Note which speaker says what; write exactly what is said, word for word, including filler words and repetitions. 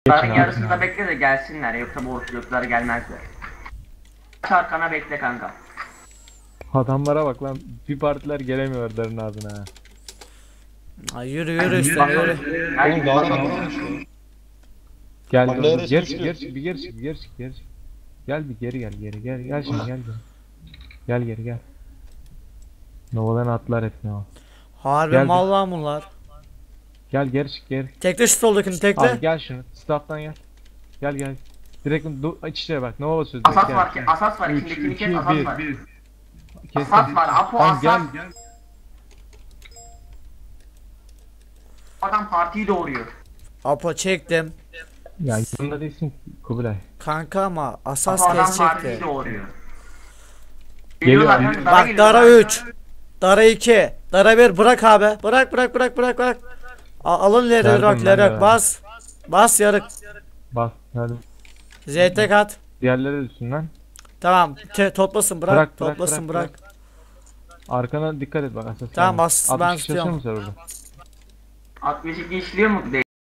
Speaker 1: Geçin
Speaker 2: Yarın
Speaker 1: abi.
Speaker 2: yarısında bekle de gelsinler, yoksa bu ortalıklar gelmezler. Arkana bekle kanka.
Speaker 1: Adamlara bak lan. Bir partiler gelemiyor darın ağzına ha.
Speaker 3: Ay yürü yürü üstüne yürü.
Speaker 4: Oğlum daha kalabalık işte.
Speaker 1: Gel
Speaker 4: Bak,
Speaker 1: dur,
Speaker 4: nereye
Speaker 1: dur. Geri
Speaker 4: sıkıştı?
Speaker 1: çık, geri çık, bir geri çık, bir geri çık, geri çık. Gel bir geri gel, geri gel, gel şimdi gel geri. Gel geri gel. Nova'dan atlar hep Nova.
Speaker 3: Harbi
Speaker 1: Gel
Speaker 3: mal lan bunlar.
Speaker 1: Gel geri çık geri.
Speaker 3: Tekle şu soldakini tekle.
Speaker 1: Abi gel şunu. Staff'tan gel. Gel gel. Direkt du- iç içe bak. Nova basıyoruz. direkt,
Speaker 2: Asas
Speaker 1: gel.
Speaker 2: var ki, asas var.
Speaker 1: Üç,
Speaker 2: İçindekini kes,
Speaker 1: iki,
Speaker 2: asas
Speaker 1: bir.
Speaker 2: var.
Speaker 1: Kes.
Speaker 2: Asas var, Apo
Speaker 1: Tamam,
Speaker 2: asas.
Speaker 1: gel.
Speaker 2: Adam partiyi doğuruyor.
Speaker 3: Apo çektim.
Speaker 1: Ya yanında değilsin ki Kubilay.
Speaker 3: Kanka ama asas
Speaker 2: Apo adam partiyi
Speaker 3: kesecekti.
Speaker 2: doğuruyor.
Speaker 1: Geliyor.
Speaker 2: Geliyorlar kanka, dara
Speaker 3: Bak
Speaker 2: geliyorlar.
Speaker 3: Dara üç. Dara iki. Dara bir bırak abi. Bırak bırak bırak bırak bırak. A- alın
Speaker 1: Verdim
Speaker 3: Lerok
Speaker 1: ben de
Speaker 3: Lerok
Speaker 1: verdim.
Speaker 3: bas. Bas yarık.
Speaker 1: Bas hadi.
Speaker 3: Z T kat.
Speaker 1: Diğerleri de üstünden.
Speaker 3: Tamam. Te toplasın bırak.
Speaker 1: Bırak, bırak,
Speaker 3: toplasın
Speaker 1: bırak,
Speaker 3: bırak.
Speaker 1: Arkana dikkat et bak asas.
Speaker 3: Tamam,
Speaker 1: geldi.
Speaker 3: bas, ben
Speaker 1: altmış çalışıyor
Speaker 3: tutuyorum.
Speaker 1: mu sen orada?
Speaker 2: altmış iki işliyor mu? Değil.